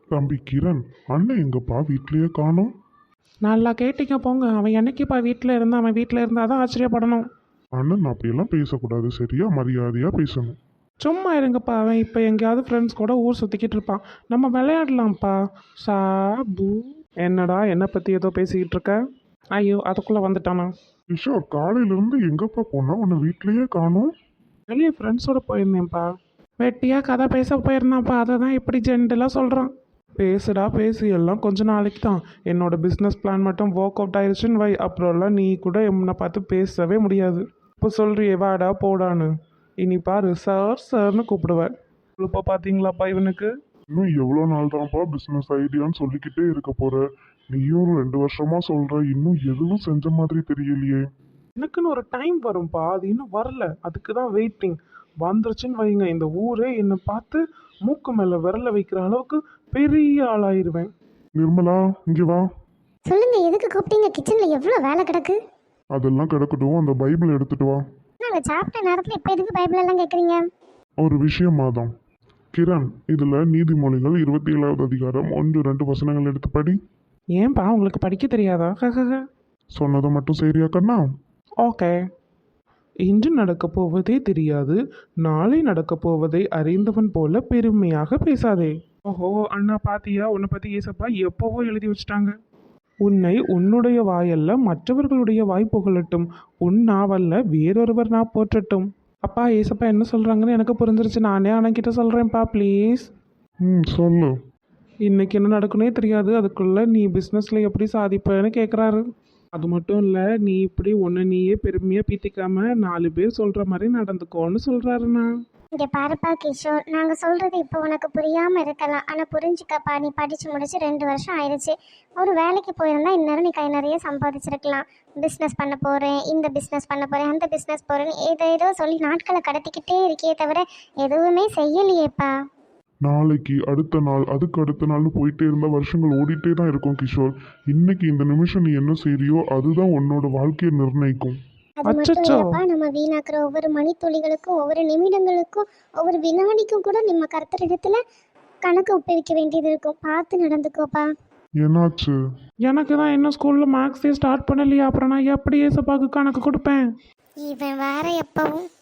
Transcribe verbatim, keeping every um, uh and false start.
தம்பி கிரண், அண்ணன் எங்கப்பா வீட்லயே காணோம்? நல்லா கேட்டிங்க போங்க. அவன் என்னைக்குப்பா வீட்டில் இருந்தான்? அவன் வீட்டில் இருந்தால் தான் ஆச்சரியப்படணும். அண்ணன் அப்படியெல்லாம் பேசக்கூடாது, சரியா? மரியாதையா பேசணும். சும்மா இருங்கப்பா. அவன் இப்போ எங்கேயாவது ஃப்ரெண்ட்ஸ் கூட ஊர் சுற்றிக்கிட்டு இருப்பான். நம்ம விளையாடலாம்ப்பா. சாபு. என்னடா என்னை பற்றி ஏதோ பேசிக்கிட்டு இருக்க? ஐயோ, அதுக்குள்ளே வந்துட்டானா? கிஷோர், காலையில இருந்து எங்கப்பா போனா? உன்னை வீட்லயே காணோம். வெளியே ஃப்ரெண்ட்ஸோட போயிருந்தேன்ப்பா. வெட்டியாக கதை பேச போயிருந்தான்ப்பா. அதை தான் இப்படி ஜென்டலாக சொல்கிறான். பேசுடா பேசு, எல்லாம் கொஞ்ச நாளைக்கு தான். என்னோட பிஸ்னஸ் பிளான் மட்டும் ஒர்க் அவுட் ஆயிடுச்சுன்னு வை, அப்புறம்லாம் நீ கூட என்னை பார்த்து பேசவே முடியாது. இப்போ சொல்றியே வாடா போடான்னு, இனி பாரு சார் சார்னு கூப்பிடுவேன். இப்போ பார்த்தீங்களாப்பா இவனுக்கு? இன்னும் எவ்வளோ நாள் தான்ப்பா பிசினஸ் ஐடியான்னு சொல்லிக்கிட்டே இருக்க போற? நீயும் ஒரு ரெண்டு வருஷமா சொல்ற, இன்னும் எதுவும் செஞ்ச மாதிரி தெரியலையே. எனக்குன்னு ஒரு டைம் வரும்ப்பா, அது இன்னும் வரல. அதுக்கு தான் வெயிட்டிங். வந்துருச்சுன்னு வைங்க, இந்த ஊரே என்னை பார்த்து மூக்கு மேலே விரல வைக்கிற அளவுக்கு பெரிய ஆளாயிருவேன். நிர்மலா, இங்கே வா. சொல்லுங்க, எதுக்கு கூப்பிட்டீங்க? கிச்சன்ல எவ்வளோ வேலை கிடக்கு. அதெல்லாம் கிடக்கட்டும், அந்த பைபிள் எடுத்துட்டு வா. நாங்கள் சாப்பிட்ட நேரத்தில் இப்போ எதுக்கு பைபிள் எல்லாம் கேட்குறீங்க? ஒரு விஷயமா தான். கிரண், இதுல நீதிமொழிகள் இருபத்தி ஏழாவது அதிகாரம் ஒன்று ரெண்டு வசனங்கள் எடுத்து படி. ஏன்பா உங்களுக்கு படிக்க தெரியாதா? சொன்னதை மட்டும் சரியா கண்ணா? ஓகே. இன்று நடக்கப் போவதே தெரியாது, நாளை நடக்கப் போவதை அறிந்தவன் போல பெருமையாக பேசாதே. ஓஹோ அண்ணா, பாத்தியா? உன்னை பற்றி ஏசப்பா எப்போவோ எழுதி வச்சுட்டாங்க. உன்னை உன்னுடைய வாயல்ல மற்றவர்களுடைய வாய் புகழட்டும், உன் நாவல்ல வேறொருவர் நான் போற்றட்டும். அப்பா, ஏசப்பா என்ன சொல்கிறாங்கன்னு எனக்கு புரிஞ்சிருச்சு. நானே அண்ணன்கிட்ட சொல்கிறேன்ப்பா, ப்ளீஸ். ம், சொல்லு. இன்னைக்கு என்ன நடக்குனே தெரியாது, அதுக்குள்ளே நீ பிஸ்னஸில் எப்படி சாதிப்பேன்னு கேட்குறாரு. அது மட்டும் இல்லை, நீ இப்படி ஒன்று நீயே பெருமையாக பீத்திக்காம நாலு பேர் சொல்கிற மாதிரி நடந்துக்கோன்னு சொல்கிறாருண்ணா. இங்கே பாருப்பா கிஷோர், நாங்கள் சொல்கிறது இப்போ உனக்கு புரியாமல் இருக்கலாம். ஆனால் புரிஞ்சுக்கப்பா, நீ படித்து முடிச்சு ரெண்டு வருஷம் ஆயிடுச்சு. ஒரு வேலைக்கு போயிருந்தா இந்நேரம் நீ கை நிறைய சம்பாதிச்சிருக்கலாம். பிஸ்னஸ் பண்ண போகிறேன், இந்த பிஸ்னஸ் பண்ண போகிறேன், அந்த பிஸ்னஸ் போகிறேன்னு ஏதோ ஏதோ சொல்லி நாட்களை கடத்திக்கிட்டே இருக்கே தவிர எதுவுமே செய்யலையேப்பா. நாளைக்கு, அடுத்த நாள், அதுக்கு அடுத்த நாள்னு போயிட்டே இருந்தால் வருஷங்கள் ஓடிட்டே தான் இருக்கும் கிஷோர். இன்னைக்கு இந்த நிமிஷம் நீ என்ன செய்றியோ அதுதான் உன்னோட வாழ்க்கையை நிர்ணயிக்கும். அது மட்டும் இல்லப்பா, நம்ம வீணாக்குற ஒவ்வொரு மணித்துளிகளுக்கும், ஒவ்வொரு நிமிடங்களுக்கும், ஒவ்வொரு வினாடிக்கும் கூட நம்ம கர்த்தரிடத்துல கணக்கு ஒப்புவிக்க வேண்டியது இருக்கும். பார்த்து நடந்துக்கோப்பா. என்னாச்சு? எனக்கு தான் இன்னும் ஸ்கூலில் மேக்ஸே ஸ்டார்ட் பண்ணலையா, அப்புறம் நான் எப்படி ஏசப்பாக்கு கணக்கு கொடுப்பேன்? இவன் வேற எப்பவும்